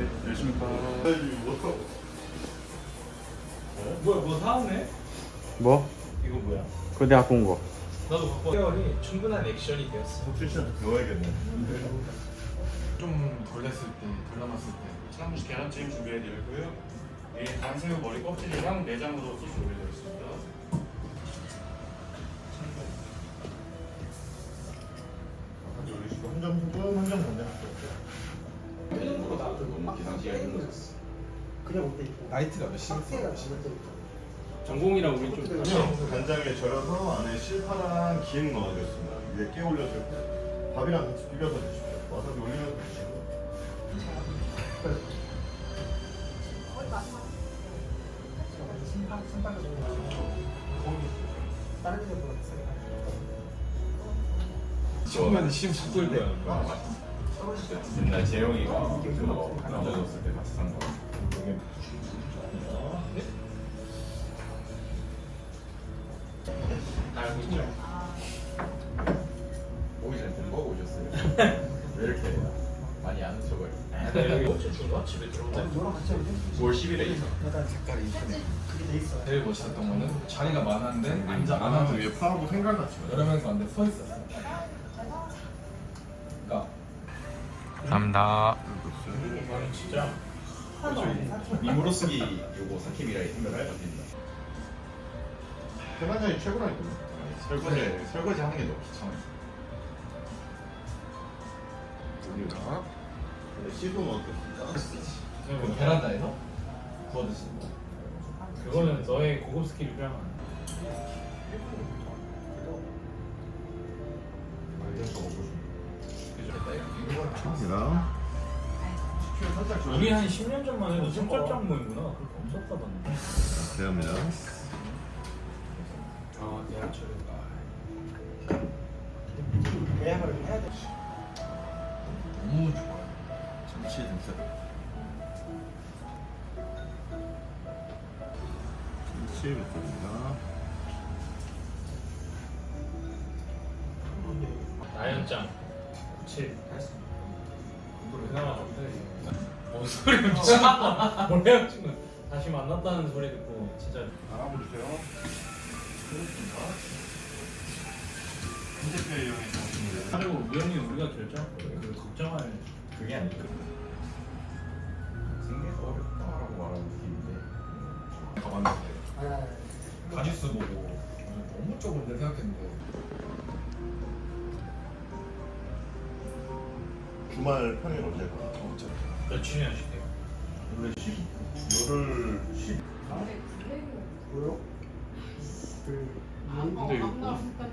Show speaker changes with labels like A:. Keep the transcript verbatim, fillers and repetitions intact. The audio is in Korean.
A: 네, 열심히 가.
B: 뭐야 뭐 사왔네?
C: 뭐?
B: 이거 뭐야?
C: 그거 내가 갖고 온 거.
B: 나도 갖고 케어이 충분한 액션이 되었어.
A: 혹시 진짜 배워야겠네.
D: 좀 덜 됐을 때, 덜 남았을 때 사무실 계란찜 준비해드리고요. 이 단새우 머리 껍질이랑 내장으로 소스 올려드려 있습니다.
A: 한점 소금, 한점 간장.
D: 나이트가 몇 시간
B: 전공이랑 우리 좀
A: 아니요, 간장에 절여서 안에 실파랑 김 넣어주겠습니다. 위에 깨 올려주고 밥이랑 같이 비벼서 드십시오. 와사비 올리면서 드시고.
D: 처음에는 십십 불 때. 옛날 재영이가 그거 남자 줬을 때 같이 산 거.
B: 알고 있죠?
D: 오기 전에 공부하고 오셨어요? 왜 이렇게 많이 아는 척을?
B: 여기 어째 준거 집에 들어온다.
D: 구월 십일에 있어.
E: 제일 멋있었던 거는 자리가 많았는데 앉아 안 하고
A: 위에 파하고 생각 같이.
E: 여러 명이서 앉아 서 있었어. 그러니까
C: 감사합니다.
B: 이거는 진짜
D: 미모로 쓰기 요거 사케미라이 생각할 것 같습니다.
A: 대만장이 최고라니까.
D: 설거지 설거지 하는 게 너무 귀찮아요.
A: 시도는 어떻습니까?
E: 그 베란다에서 구워 드시는 거.
B: 그거는 너의 고급 스킬이 필요한 거야.
A: 감사합니다.
B: 우리 한 십 년 전만 해도 손절장 모임구나. 그렇게 없었다던데.
A: 감사합니다.
B: 아, 대학철에.
E: 너무 좋아요.
A: 참치 등살. 참치 볶음입니다.
B: 나연짱 칠 그나마 좋대. 뭔 소리 미쳤나? 뭐래요 지금? 다시 만났다는 소리 듣고 진짜
A: 알아보세요. 핸드페이 이용해서 하시면
B: 그리고 우연히 우리가 결정 그 걱정할
D: 그게 아니고 생계가 어렵다라고 말하는 느낌인데 가봤는데
E: 가지수 보고 너무 좁은데 생각했는데
A: 주말 평일 언제 가?
B: 며칠이나 쉬대요.
A: 원래 십, 열흘 십.
B: 근데 이거 뭐